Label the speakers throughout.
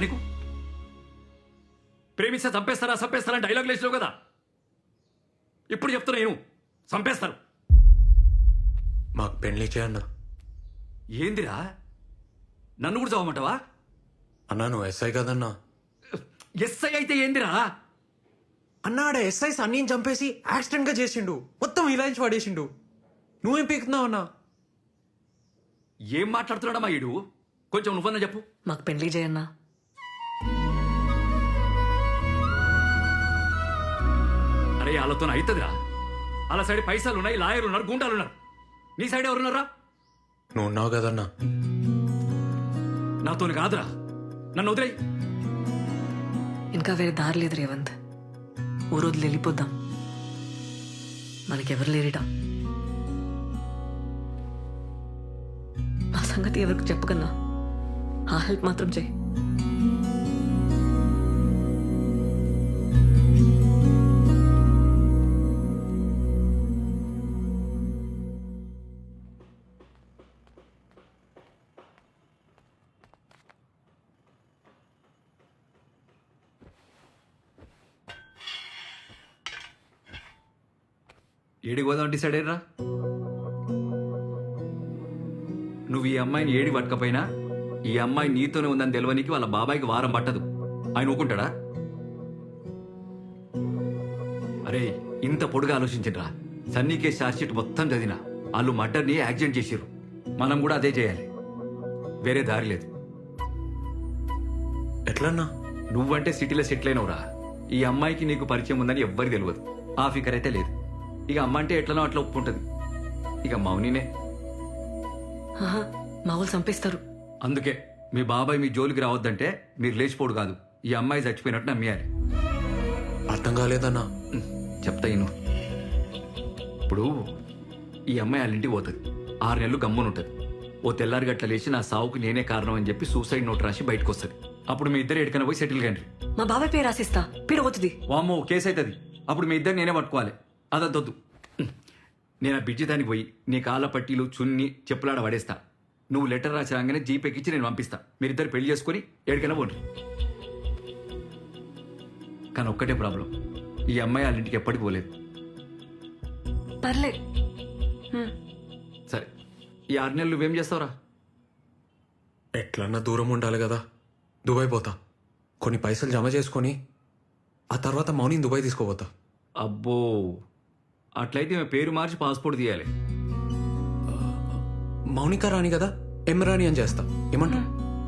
Speaker 1: నీకు? ప్రేమిస్తే చంపేస్తారా చంపేస్తారా డైలాగ్ లేచినావు కదా, ఇప్పుడు చెప్తున్నా నేను చంపేస్తారు.
Speaker 2: మాకు పెళ్లి చేయన్నా.
Speaker 1: ఏందిరా నన్ను కూడా చదవమంటావా?
Speaker 2: అన్నా నువ్వు ఎస్ఐ కదన్నా.
Speaker 1: ఎస్ఐ అయితే ఏందిరా?
Speaker 2: అన్నాడ ఎస్ఐ సన్నీని చంపేసి యాక్సిడెంట్ గా చేసిండు, మొత్తం ఇలాంటి పడేసిండు. నువ్వేం పీకుతున్నావు అన్నా?
Speaker 1: ఏం మాట్లాడుతున్నాడమ్మా ఈడు? కొంచెం నువ్వన్నా చెప్పు.
Speaker 3: మాకు పెళ్లి చేయన్నా.
Speaker 1: అరే వాళ్ళతో అవుతుందిరా. వాళ్ళ సైడ్ పైసలు ఉన్నాయి, లాయర్లు ఉన్నారు, గుండాలు ఉన్నారు. నీ సైడ్ ఎవరున్నారా?
Speaker 2: నువ్వు ఉన్నావు కదన్నా.
Speaker 1: నాతోని కాదురా, నన్ను వదిలేయ్.
Speaker 3: ఇంకా వేరే దారి లేదు రేవంత్. ఓ రోజులు వెళ్ళిపోద్దాం, మనకెవరు లేరిట. ఆ సంగతి ఎవరికి చెప్పకన్నా ఆ హెల్ప్ మాత్రం చేయి.
Speaker 1: ఏడికి పోదాం డిసైడ్ అయ్యరా? నువ్వు ఈ అమ్మాయిని ఏడి పట్టకపోయినా ఈ అమ్మాయి నీతోనే ఉందని తెలియనికి వాళ్ళ బాబాయికి వారం పట్టదు. ఆయన ఊకుంటాడా? అరే ఇంత పొడుగా ఆలోచించరా. సన్నీ కేసు ఛార్జ్షీట్ మొత్తం చదివినా వాళ్ళు మర్డర్ని యాక్సిడెంట్ చేసిర్రు. మనం కూడా అదే చేయాలి, వేరే దారి లేదు.
Speaker 2: ఎట్లన్నా?
Speaker 1: నువ్వంటే సిటీలో సెటిల్ అయినవురా. ఈ అమ్మాయికి నీకు పరిచయం ఉందని ఎవ్వరికి తెలియదు. ఆ ఫికర్ అయితే లేదు. ఇక అమ్మ అంటే ఎట్లనో అట్లా ఒప్పుకుంటుంది. ఇక మౌనినే.
Speaker 3: మా వాళ్ళు చంపేస్తారు.
Speaker 1: అందుకే మీ బాబాయ్ మీ జోలికి రావద్దంటే మీరు లేచిపోడు కాదు, ఈ అమ్మాయి చచ్చిపోయినట్టు నమ్మేయాలి.
Speaker 2: అర్థం కాలేదన్నా.
Speaker 1: చెప్తా ఇను. ఇప్పుడు ఈ అమ్మాయి వాళ్ళ ఇంటికి పోతుంది, 6 నెలలు గమ్మునుంటుంది. ఓ తెల్లారి గట్ల లేచి నా సావుకు నేనే కారణం అని చెప్పి సూసైడ్ నోట్ రాసి బయటకు వస్తుంది. అప్పుడు మీ ఇద్దరు ఎక్కడికైనా పోయి సెటిల్ కండి.
Speaker 3: మా బాబాయ్ పేరు రాసిస్తా, పేరు పోతుంది.
Speaker 1: వామ్మో కేసు అవుతుంది. అప్పుడు మీ ఇద్దరు నేనే పట్టుకోవాలి. అదొద్దు. నేను ఆ బిడ్జి దానికి పోయి నీ కాళ్ళ పట్టీలు చున్ని చెప్పులాడ పడేస్తా. నువ్వు లెటర్ రాసి రాగానే జీపేకి ఇచ్చి నేను పంపిస్తా. మీరిద్దరు పెళ్లి చేసుకుని ఎక్కడికైనా పోండి. కానీ ఒక్కటే ప్రాబ్లం, ఈ అమ్మాయి వాళ్ళ ఇంటికి ఎప్పటికి పోలేదు.
Speaker 3: పర్లే.
Speaker 1: సరే ఈ 6 నెలలు నువ్వేం చేస్తావురా?
Speaker 2: ఎట్లన్నా దూరం ఉండాలి కదా. దుబాయ్ పోతా, కొన్ని పైసలు జమ చేసుకొని ఆ తర్వాత మౌనిని దుబాయ్ తీసుకోపోతా.
Speaker 1: అబ్బో అట్లయితే మేము పేరు మార్చి పాస్పోర్ట్ తీయాలి.
Speaker 2: మౌనిక రాణి కదా, ఎం రాణి అని చేస్తా. ఏమంటా?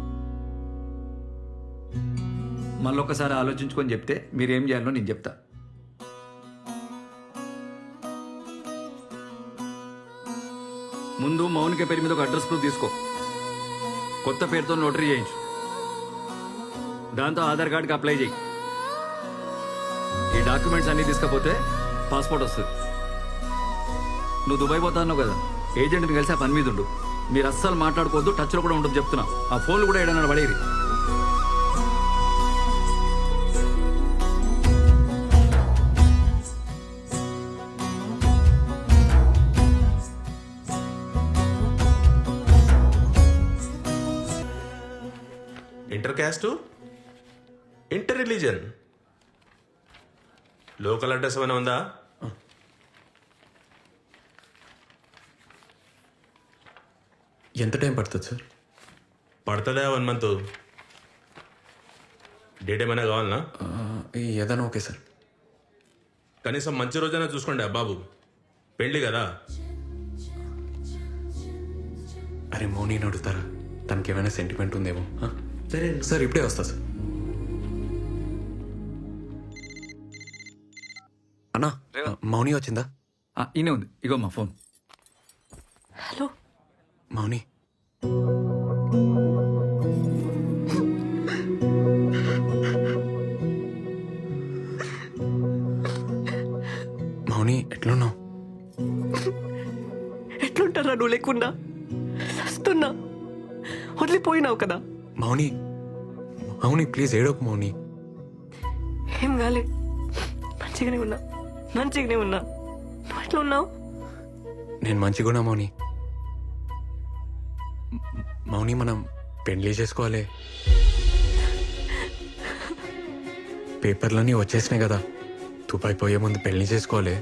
Speaker 1: మళ్ళొక్కసారి ఆలోచించుకొని చెప్తే మీరేం చేయాలో నేను చెప్తా. ముందు మౌనిక పేరు మీద ఒక అడ్రస్ ప్రూఫ్ తీసుకో, కొత్త పేరుతో నోటరీ చేయించు, దాంతో ఆధార్ కార్డుకి అప్లై చేయి. ఈ డాక్యుమెంట్స్ అన్నీ తీసుకపోతే పాస్పోర్ట్ వస్తుంది. నువ్వు దుబాయ్ పోతా అన్నావు కదా, ఏజెంట్ని కలిసి ఆ పని మీద ఉండు. మీరు అస్సలు మాట్లాడుకోవద్దు, టచ్లో కూడా ఉండదు చెప్తున్నా. ఆ ఫోన్లు కూడా ఏడన్నా పడేది.
Speaker 4: Inter caste, inter religion, local address ఏమైనా ఉందా?
Speaker 2: ఎంత టైం పడుతుంది సార్?
Speaker 4: పడుతుందా 1 month? డేట్ ఏమైనా కావాలనా?
Speaker 2: ఏదైనా ఓకే సార్.
Speaker 4: కనీసం మంచి రోజైనా చూసుకోండి బాబు, పెళ్ళి కదా.
Speaker 2: అరే మౌనిని అడుగుతారా, తనకి ఏమైనా సెంటిమెంట్ ఉందేమో. సరే సార్, ఇప్పుడే వస్తా సార్. అన్నా మౌని వచ్చిందా?
Speaker 1: ఈయనే ఉంది, ఇగో మా ఫోన్.
Speaker 3: హలో
Speaker 2: మౌని, మౌని ఎట్లున్నావు?
Speaker 3: ఎట్లుంటారా నువ్వు లేకున్నా? వస్తున్నా, వదిలిపోయినావు కదా.
Speaker 2: మౌని మౌని ప్లీజ్ ఏడోకు మౌని.
Speaker 3: ఏం కాలే, మంచిగానే ఉన్నా. నువ్వు ఎట్లా ఉన్నావు?
Speaker 2: నేను మంచిగున్నా మౌని. మౌని మనం పెళ్లి చేసుకోవాలి. పేపర్లన్నీ వచ్చేసినాయి కదా తుపాయి పోయే ముందు పెళ్లి చేసుకోవాలి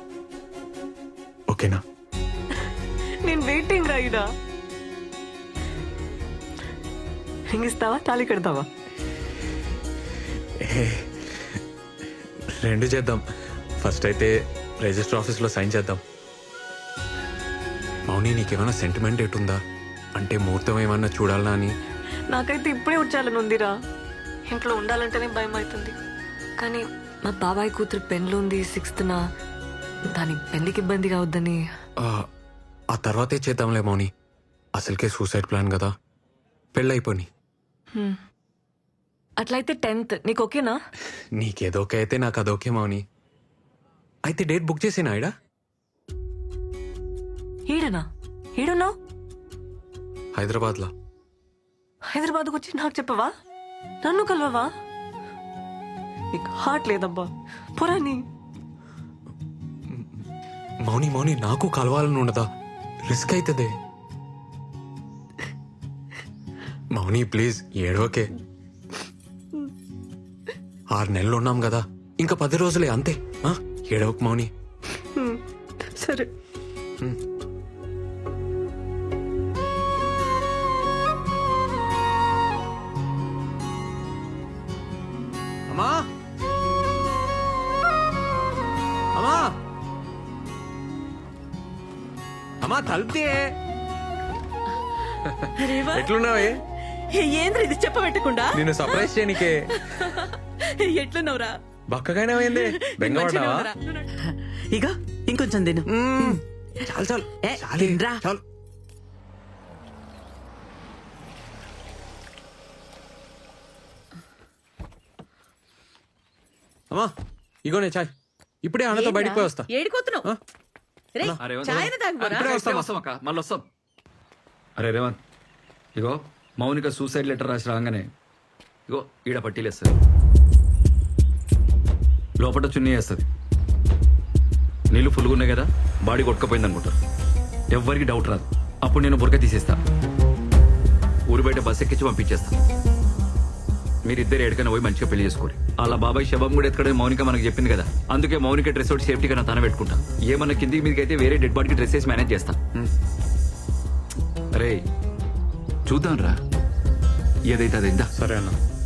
Speaker 2: ఓకేనా?
Speaker 3: నేను వెయిటింగ్ రాయిడా. హింగిస్తావా తాళి కడతావా?
Speaker 2: రెండు చేద్దాం. ఫస్ట్ అయితే రిజిస్టర్ ఆఫీస్లో సైన్ చేద్దాం. మౌని నీకేమైనా సెంటిమెంట్ ఎటుందా? అంటే ముహూర్తం ఏమన్నా చూడాలా అని.
Speaker 3: నాకైతే ఇప్పుడే వచ్చాలని ఉందిరా. ఇంట్లో ఉండాలంటేనే భయం అవుతుంది. కానీ మా బాబాయ్ కూతురు పెళ్ళి ఉంది 6th. దాని పెళ్లికి ఇబ్బంది కావద్దని.
Speaker 2: ఆ తర్వాతే చేద్దాంలే మౌని. అసలుకే సూసైడ్ ప్లాన్ కదా. పెళ్ళైపోని.
Speaker 3: అట్లయితే 10th నీకు ఓకేనా?
Speaker 2: నీకేదోకే అయితే నాకు అదోకే మౌని. అయితే డేట్ బుక్ చేసేనా ఇడా?
Speaker 3: ఈడనా? ఈడున్నావు?
Speaker 2: హైదరాబాద్లో.
Speaker 3: హైదరాబాద్కు వచ్చి నాకు చెప్పవా? నన్ను కలవవా? నీకు హార్ట్ లేదబ్బా. పురాణి
Speaker 2: మౌని మౌని నాకు కలవాలని ఉండదా? రిస్క్ అవుతుంది మౌని. ప్లీజ్ ఏడోకే. 6 నెలలు ఉన్నాం కదా, ఇంకా 10 రోజులే అంతే. ఏడవకు మౌని.
Speaker 3: సరే.
Speaker 2: అమ్మా అమ్మా అమ్మా తలుపుతే. ఎట్లున్నావే?
Speaker 5: ఏంద్ర ఇది చెప్పబెట్టకుండా
Speaker 2: నిన్ను సర్ప్రైజ్ చేయనికే.
Speaker 5: ఎట్లున్నావురా?
Speaker 2: బక్కగానే అయింది. బెంగపడ్డావా?
Speaker 5: ఇక ఇంకొంచెం తిను.
Speaker 2: చాలు చాలు
Speaker 5: ఏ,
Speaker 2: చాలే.
Speaker 5: తినరా.
Speaker 2: చాలు. అమ్మా ఇగోనే చాయ్. ఇప్పుడే అన్నతో బయటికి పోయి వస్తా.
Speaker 5: ఏడిపోతున్నావు? రేయ్,
Speaker 1: అరే,
Speaker 5: చాయన తాగుపోరా.
Speaker 1: ఇప్పుడే వస్తాం అక్క, మళ్ళీ వస్తాం. అరే రేవంత్, ఇగో మౌనిక సూసైడ్ లెటర్ రాసి రాగానే ఇగో ఈడ పట్టీలేస్తుంది, లోపల చున్నీ వేస్తుంది. నీళ్ళు ఫుల్గా ఉన్నాయి కదా, బాడీ కొట్టుకపోయింది అనుకుంటారు. ఎవ్వరికి డౌట్ రాదు. అప్పుడు నేను బురక తీసేస్తా, ఊరు బయట బస్ ఎక్కించి పంపించేస్తా. మీరిద్దరు ఎక్కడికైనా పోయి మంచిగా పెళ్లి చేసుకోరు. అలా బాబాయ్ శవం కూడా ఎక్కడ మౌనిక మనకు చెప్పింది కదా, అందుకే మౌనిక డ్రెస్ ఒకటి సేఫ్టీగా నా తన పెట్టుకుంటా. ఏమన్నా కిందికి మీదకి అయితే వేరే డెడ్ బాడీకి డ్రెస్ వేసి మేనేజ్ చేస్తా. అరే చూద్దాం రా, ఏదైతే అదైందా.
Speaker 2: సరే అన్న.